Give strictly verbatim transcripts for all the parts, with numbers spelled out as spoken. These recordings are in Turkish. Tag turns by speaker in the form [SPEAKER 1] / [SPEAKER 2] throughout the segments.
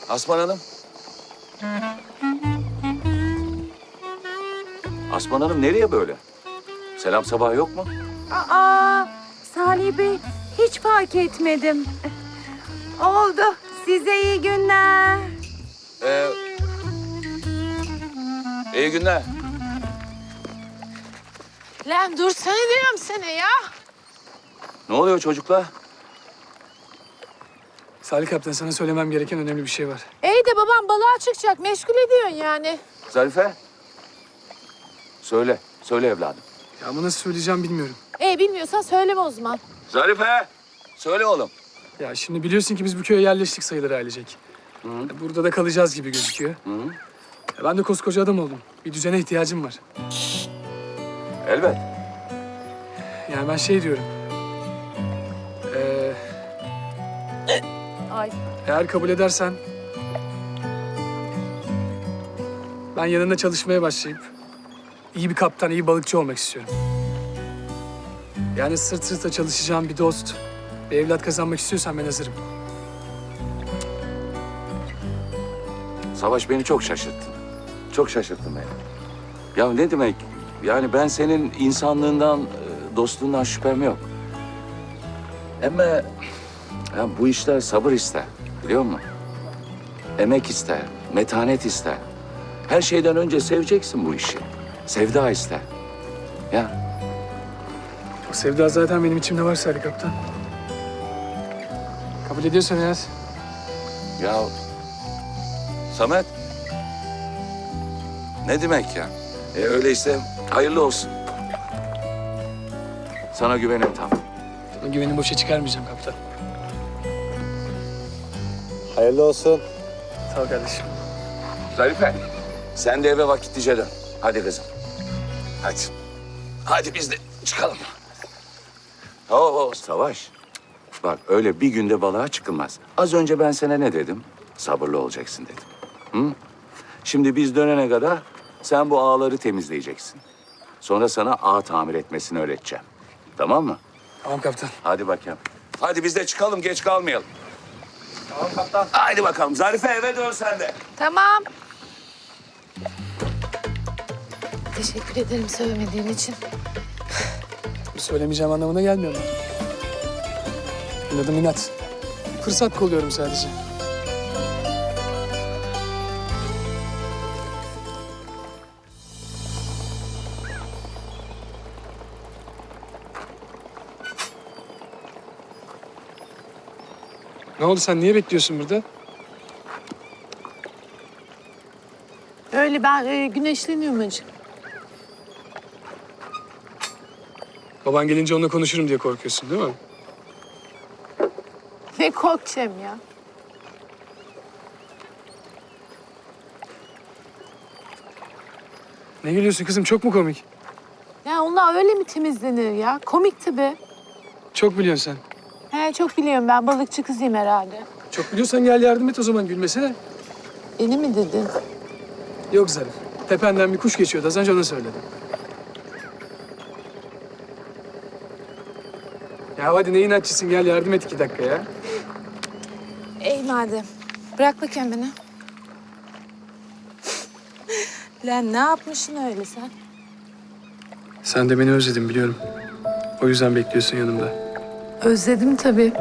[SPEAKER 1] Asman Hanım. Asman Hanım nereye böyle? Selam sabah yok mu?
[SPEAKER 2] Aa, Salih Bey hiç fark etmedim. Oldu. Size iyi günler.
[SPEAKER 1] Ee, iyi günler.
[SPEAKER 3] Lan dursana diyorum sana ya.
[SPEAKER 1] Ne oluyor çocuklar?
[SPEAKER 4] Salih Kaptan, sana söylemem gereken önemli bir şey var.
[SPEAKER 3] İyi de babam balığa çıkacak. Meşgul ediyorsun yani.
[SPEAKER 1] Zarife. Söyle, söyle evladım.
[SPEAKER 4] Ya ama nasıl söyleyeceğim bilmiyorum.
[SPEAKER 3] İyi bilmiyorsan söyleme o zaman.
[SPEAKER 1] Zarife. Söyle oğlum.
[SPEAKER 4] Ya şimdi biliyorsun ki biz bu köye yerleştik sayılır ailecek.
[SPEAKER 1] Hı.
[SPEAKER 4] Burada da kalacağız gibi gözüküyor.
[SPEAKER 1] Hı.
[SPEAKER 4] Ya ben de koskoca adam oldum. Bir düzene ihtiyacım var.
[SPEAKER 1] Elbet.
[SPEAKER 4] Yani ben şey diyorum. Ee,
[SPEAKER 3] Ay.
[SPEAKER 4] eğer kabul edersen... ben yanında çalışmaya başlayıp... iyi bir kaptan, iyi balıkçı olmak istiyorum. Yani sırt sırta çalışacağım bir dost, bir evlat kazanmak istiyorsan ben hazırım.
[SPEAKER 1] Savaş beni çok şaşırttın. Çok şaşırttın beni. Ya ne demek? Yani ben senin insanlığından, e, dostluğundan şüphem yok. Ama ya bu işler sabır ister, biliyor musun? Emek ister, metanet ister. Her şeyden önce seveceksin bu işi. Sevda ister. Ya
[SPEAKER 4] O sevda zaten benim içimde var Salih Kaptan. Kabul ediyorsan eğer...
[SPEAKER 1] Ya Samet. Ne demek ya? E, öyleyse hayırlı olsun. Sana güvenim tam.
[SPEAKER 4] Sana güvenimi boşa çıkarmayacağım kaptan.
[SPEAKER 5] Hayırlı olsun.
[SPEAKER 4] Sağ ol kardeşim.
[SPEAKER 1] Zarife, sen de eve vakitlice dön. Hadi kızım. Hadi. Hadi biz de çıkalım. Oo, Savaş. Bak öyle bir günde balığa çıkılmaz. Az önce ben sana ne dedim? Sabırlı olacaksın dedim. Hı? Şimdi biz dönene kadar sen bu ağları temizleyeceksin. Sonra sana ağ tamir etmesini öğreteceğim. Tamam mı?
[SPEAKER 4] Tamam kaptan.
[SPEAKER 1] Hadi bakayım. Hadi biz de çıkalım, geç kalmayalım.
[SPEAKER 5] Tamam kaptan.
[SPEAKER 1] Haydi bakalım. Zarife eve dön sen de.
[SPEAKER 3] Tamam. Teşekkür ederim söylemediğin için.
[SPEAKER 4] Söylemeyeceğim anlamına gelmiyor mu? Benim adım İnat. Fırsat kolluyorum sadece. Ne oldu, sen niye bekliyorsun burada?
[SPEAKER 3] Öyle ben e, güneşleniyorum acık.
[SPEAKER 4] Baban gelince onunla konuşurum diye korkuyorsun değil mi?
[SPEAKER 3] Ne korkacağım ya.
[SPEAKER 4] Ne gülüyorsun kızım, çok mu komik?
[SPEAKER 3] Ya onlar öyle mi temizlenir ya? Komik tabii.
[SPEAKER 4] Çok biliyorsun sen.
[SPEAKER 3] He çok biliyorum ben balıkçı kızıyım herhalde.
[SPEAKER 4] Çok biliyorsan gel yardım et o zaman, gülmesene.
[SPEAKER 3] Beni mi dedin?
[SPEAKER 4] Yok Zarif. Tependen bir kuş geçiyordu az önce, onu söyledim. Ya hadi ne inatçısın, gel yardım et iki dakika ya.
[SPEAKER 3] Ey madem. Bırak bakayım beni. Lan ne yapmışsın öyle sen?
[SPEAKER 4] Sen de beni özledin biliyorum. O yüzden bekliyorsun yanımda.
[SPEAKER 3] Özledim tabii.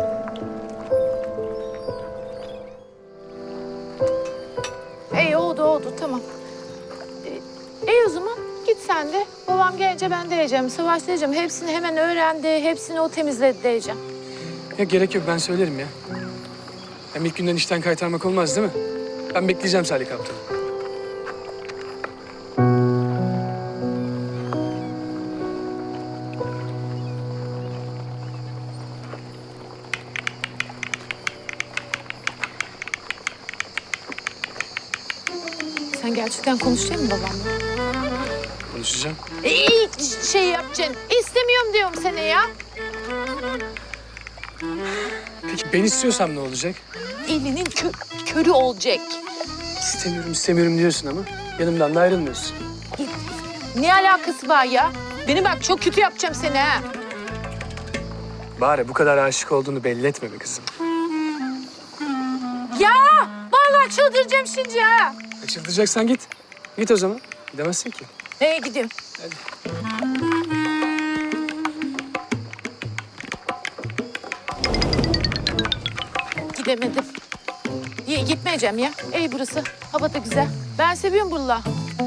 [SPEAKER 3] İyi oldu oldu tamam. Ee, İyi o zaman git sen de. Babam gelince ben de diyeceğim. Savaş diyeceğim. Hepsini hemen öğrendi. Hepsini o temizledi diyeceğim.
[SPEAKER 4] Ya gerek yok, ben söylerim ya. Hem ilk günden işten kaytarmak olmaz değil mi? Ben bekleyeceğim Salih Kaptan.
[SPEAKER 3] Sen gerçekten konuşacak mısın babamla?
[SPEAKER 4] Konuşacağım.
[SPEAKER 3] İyi şey yapacaksın. İstemiyorum diyorum seni ya.
[SPEAKER 4] Peki ben istiyorsam ne olacak?
[SPEAKER 3] Elinin kö körü olacak.
[SPEAKER 4] İstemiyorum istemiyorum diyorsun ama yanımdan da ayrılmıyorsun.
[SPEAKER 3] Ne alakası var ya? Beni bak çok kötü yapacağım seni ha.
[SPEAKER 4] Bari bu kadar aşık olduğunu belli etme be kızım.
[SPEAKER 3] Ya vallahi vallahi çıldıracağım şimdi ha.
[SPEAKER 4] E, çıldıracaksan git. Git o zaman. Gidemezsin ki.
[SPEAKER 3] Neye gidiyorum? Gidemedim. İyi, gitmeyeceğim ya. İyi burası. Hava da güzel. Ben seviyorum buraları.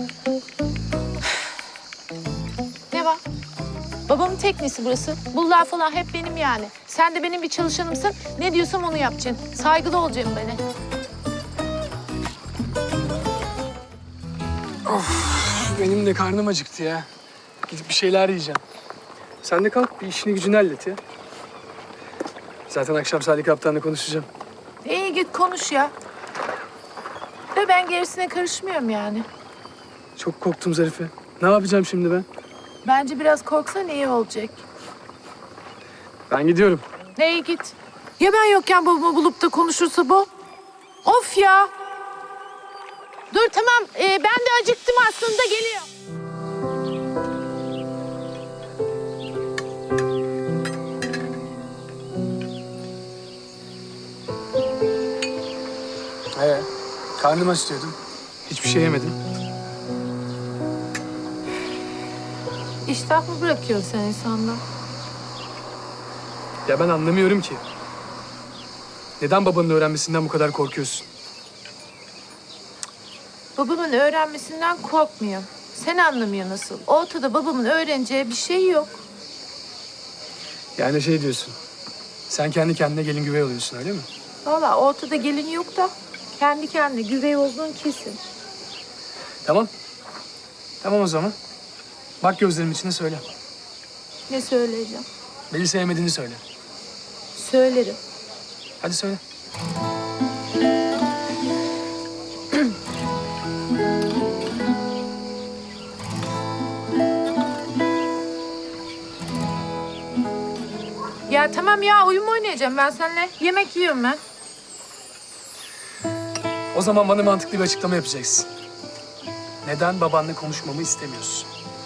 [SPEAKER 3] Ne var? Babamın teknesi burası. Bunlar falan hep benim yani. Sen de benim bir çalışanımsın. Ne diyorsam onu yapacaksın. Saygılı olacaksın bana.
[SPEAKER 4] Benim de karnım acıktı ya. Gidip bir şeyler yiyeceğim. Sen de kalk bir işini gücünü hallet ya. Zaten akşam Salih Kaptan'la konuşacağım.
[SPEAKER 3] İyi git konuş ya. De ben gerisine karışmıyorum yani.
[SPEAKER 4] Çok korktum Zarife. Ne yapacağım şimdi ben?
[SPEAKER 3] Bence biraz korksan iyi olacak.
[SPEAKER 4] Ben gidiyorum.
[SPEAKER 3] Neye git? Ya ben yokken babamı bulup da konuşursa bu? Of ya! Dur tamam, ee, ben de acıktım aslında, geliyor.
[SPEAKER 4] Ee, karnım aç diyordum. Hiçbir şey yemedim.
[SPEAKER 3] İştah mı bırakıyorsun sen insandan?
[SPEAKER 4] Ya ben anlamıyorum ki. Neden babanın öğrenmesinden bu kadar korkuyorsun?
[SPEAKER 3] Babamın öğrenmesinden korkmuyorum. Sen anlamıyorsun nasıl? Ortada babamın öğreneceği bir şey yok.
[SPEAKER 4] Yani şey diyorsun. Sen kendi kendine gelin güvey oluyorsun öyle mi?
[SPEAKER 3] Vallahi ortada gelin yok da kendi kendine güvey olduğun kesin.
[SPEAKER 4] Tamam. Tamam o zaman. Bak gözlerimin içine söyle.
[SPEAKER 3] Ne söyleyeceğim?
[SPEAKER 4] Beni sevmediğini söyle.
[SPEAKER 3] Söylerim.
[SPEAKER 4] Hadi söyle.
[SPEAKER 3] Ya tamam ya, oyun mu oynayacağım ben seninle? Yemek yiyorum ben.
[SPEAKER 4] O zaman bana mantıklı bir açıklama yapacaksın. Neden babanla konuşmamı istemiyorsun?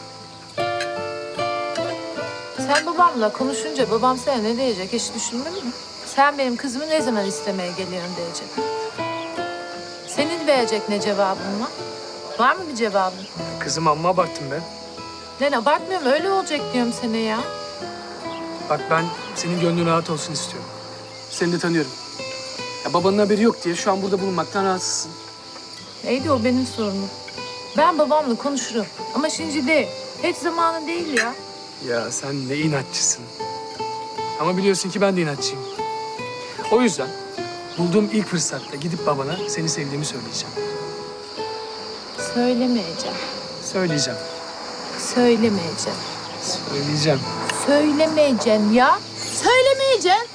[SPEAKER 3] Sen babamla konuşunca babam sana ne diyecek hiç düşündün mü? Sen benim kızımı ne zaman istemeye geliyorsun diyecek. Senin verecek ne cevabın var? Var mı bir cevabın?
[SPEAKER 4] Kızım amma abarttın be.
[SPEAKER 3] Lan abartmıyorum, öyle olacak diyorum sana ya.
[SPEAKER 4] Bak ben senin gönlün rahat olsun istiyorum. Seni de tanıyorum. Ya babanın haberi yok diye şu an burada bulunmaktan rahatsızsın.
[SPEAKER 3] Neydi o benim sorunum. Ben babamla konuşurum ama şimdi değil. Hiç zamanı değil ya.
[SPEAKER 4] Ya sen ne inatçısın. Ama biliyorsun ki ben de inatçıyım. O yüzden bulduğum ilk fırsatta gidip babana seni sevdiğimi söyleyeceğim.
[SPEAKER 3] Söylemeyeceğim.
[SPEAKER 4] Söyleyeceğim.
[SPEAKER 3] Söylemeyeceğim.
[SPEAKER 4] Söyleyeceğim.
[SPEAKER 3] Söylemeyeceksin ya. Söylemeyeceksin.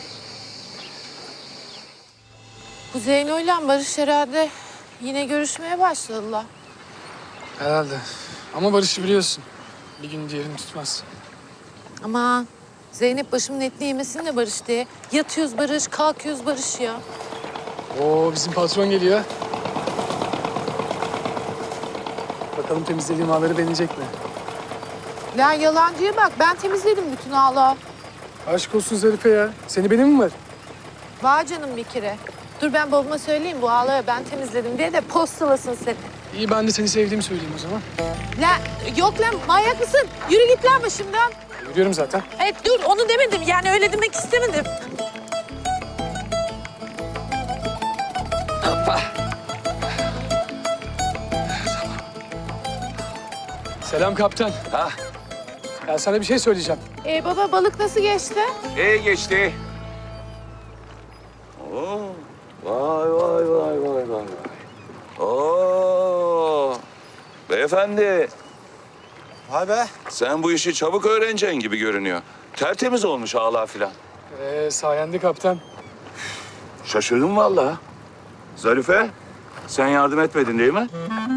[SPEAKER 3] Bu Zeyno'yla Barış herhalde yine görüşmeye başladılar.
[SPEAKER 4] Herhalde. Ama Barış'ı biliyorsun. Bir gün diğerini tutmaz.
[SPEAKER 3] Ama Zeynep başımın etini yemesin de Barış diye. Yatıyoruz Barış, kalkıyoruz Barış ya.
[SPEAKER 4] Oo bizim patron geliyor. Bakalım temizlediğim ağları beğenecek mi?
[SPEAKER 3] Lan yalancıya bak, ben temizledim bütün ağları.
[SPEAKER 4] Aşk olsun Zarife ya. Seni benim mi var?
[SPEAKER 3] Var canım bir kere. Dur ben babama söyleyeyim bu ağları ben temizledim diye de postalasın seni.
[SPEAKER 4] İyi ben de seni sevdiğimi söyleyeyim o zaman.
[SPEAKER 3] Lan yok lan, manyak mısın? Yürü git lan başımdan.
[SPEAKER 4] Yürüyorum zaten.
[SPEAKER 3] Evet dur, onu demedim yani, öyle demek istemedim.
[SPEAKER 4] Selam kaptan.
[SPEAKER 1] Ha,
[SPEAKER 4] Ya sana bir şey söyleyeceğim.
[SPEAKER 3] Ee, baba balık nasıl geçti?
[SPEAKER 1] iyi geçti. Oo, vay vay vay vay vay. Oo, beyefendi,
[SPEAKER 5] Vay be.
[SPEAKER 1] sen bu işi çabuk öğreneceksin gibi görünüyor. Tertemiz olmuş ağlar filan.
[SPEAKER 4] Ee, sayende kaptan.
[SPEAKER 1] Şaşırdım vallahi. Zarife, sen yardım etmedin değil mi?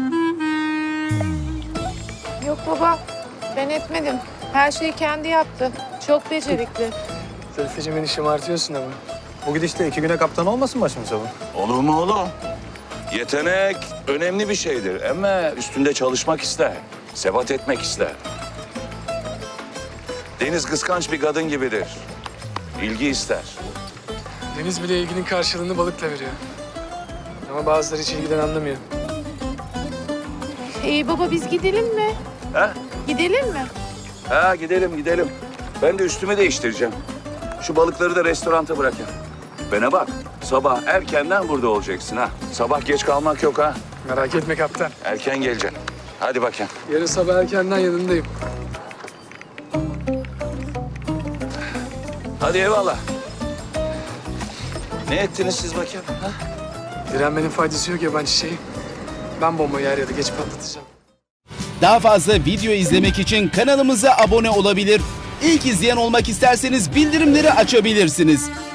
[SPEAKER 3] Yok baba, ben etmedim. Her şeyi kendi yaptı. Çok becerikli.
[SPEAKER 4] Zarifeciğim beni şımartıyorsun ama.
[SPEAKER 5] Bu gidişle iki güne kaptan olmasın başımıza bu?
[SPEAKER 1] Olur mu oğlum? Yetenek önemli bir şeydir ama üstünde çalışmak ister. Sebat etmek ister. Deniz kıskanç bir kadın gibidir. İlgi ister.
[SPEAKER 4] Deniz bile ilginin karşılığını balıkla veriyor. Ama bazıları hiç ilgiden anlamıyor.
[SPEAKER 3] İyi baba biz gidelim mi?
[SPEAKER 1] Ha?
[SPEAKER 3] Gidelim mi?
[SPEAKER 1] Ha gidelim gidelim. Ben de üstümü değiştireceğim. Şu balıkları da restoranta bırakın. Bana bak. Sabah erkenden burada olacaksın ha. Sabah geç kalmak yok ha.
[SPEAKER 4] Merak etme kaptan.
[SPEAKER 1] Erken geleceksin. Hadi bakayım.
[SPEAKER 4] Yarın sabah erkenden yanındayım.
[SPEAKER 1] Hadi eyvallah. Ne ettiniz siz bakayım? Ha?
[SPEAKER 4] Direnmenin faydası yok yaban çiçeği. Ben bombayı er ya da geç patlatacağım.
[SPEAKER 6] Daha fazla video izlemek için kanalımıza abone olabilir. İlk izleyen olmak isterseniz bildirimleri açabilirsiniz.